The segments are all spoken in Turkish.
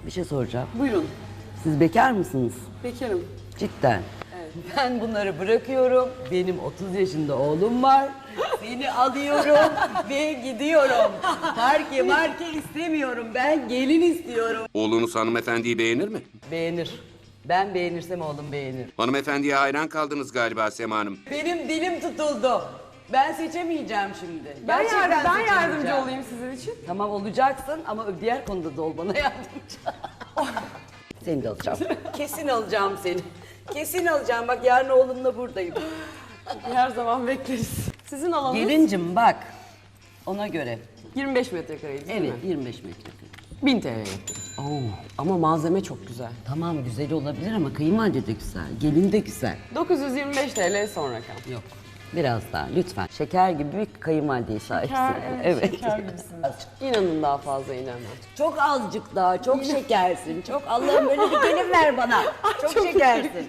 Bir şey soracağım. Buyurun. Siz bekar mısınız? Bekarım. Cidden. Ben bunları bırakıyorum. Benim 30 yaşında oğlum var. Seni alıyorum ve gidiyorum. Marke istemiyorum. Ben gelin istiyorum. Oğlunuz hanımefendiyi beğenir mi? Beğenir. Ben beğenirsem oğlum beğenir. Hanımefendiye hayran kaldınız galiba Sema Hanım. Benim dilim tutuldu. Ben seçemeyeceğim şimdi. Ben Gerçekten yardımcı seçemeyeceğim. olayım sizin için. Tamam olacaksın ama diğer konuda da ol bana yardımcı. Seni de alacağım. Kesin alacağım seni. Kesin alacağım. Bak yarın oğlumla buradayım. Her zaman bekleriz. Sizin alanınız Gelincim bak. Ona göre. 25 metrekareydi değil Evet mi? 25 metrekare. 1000 TL'ye. Oo, ama malzeme çok güzel. Tamam güzel olabilir ama kayınvalide de güzel. Gelin de güzel. 925 TL son rakam. Yok. Biraz daha lütfen. Şeker gibi bir kayınvalideye sahipsin. Şeker gibisiniz. İnanın daha fazla inemem. Çok azıcık daha, çok şekersin. Çok Allah'ım böyle bir gelin ver bana. Çok şekersin.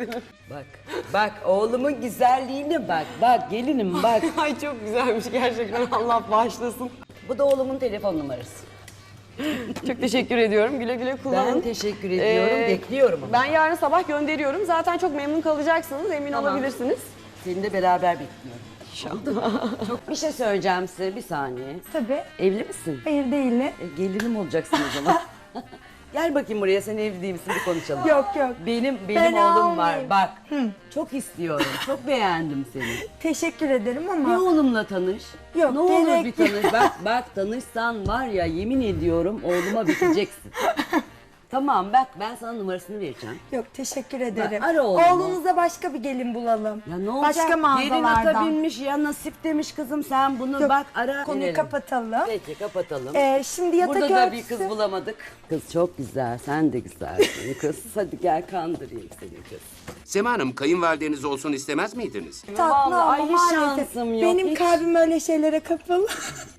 Bak oğlumun güzelliğine bak. Bak gelinim bak. Ay çok güzelmiş gerçekten, Allah bağışlasın. Bu da oğlumun telefon numarası. Çok teşekkür ediyorum. Güle güle kullanın. Ben teşekkür ediyorum. Bekliyorum ama. Ben yarın sabah gönderiyorum. Zaten çok memnun kalacaksınız. Emin Tamam. olabilirsiniz. Seni de beraber bekliyorum. İnşallah. Çok bir şey söyleyeceğim size bir saniye. Tabii. Evli misin? Hayır değilim. Gelinim olacaksın o zaman. Gel bakayım buraya, sen evli değil misin, bir konuşalım. Yok yok. Benim Ben oğlum var almayayım. bak. Çok istiyorum. Çok beğendim seni. Teşekkür ederim Bir ama oğlumla tanış. Yok, Ne olur gerek bir tanış. Bak tanışsan var ya, yemin ediyorum oğluma biteceksin. Tamam bak, ben sana numarasını vereceğim. yok teşekkür ederim. ara oğlumu. Oğlunuza başka bir gelin bulalım. Ya ne olacak? Başka Gelin mağazalardan. ata binmiş ya, nasip demiş kızım, sen bunu Yok, bak ara. konuyu verelim. kapatalım. Peki kapatalım. Şimdi yatak Burada da örtüsü. bir kız bulamadık. Kız çok güzel, sen de güzelsin kız. Hadi gel kandırayım seni kız. Sema Hanım, kayınvalideniz olsun istemez miydiniz? Tatlı Vallahi ama hiç maalesef şansım yok, benim hiç. kalbim öyle şeylere kapalı.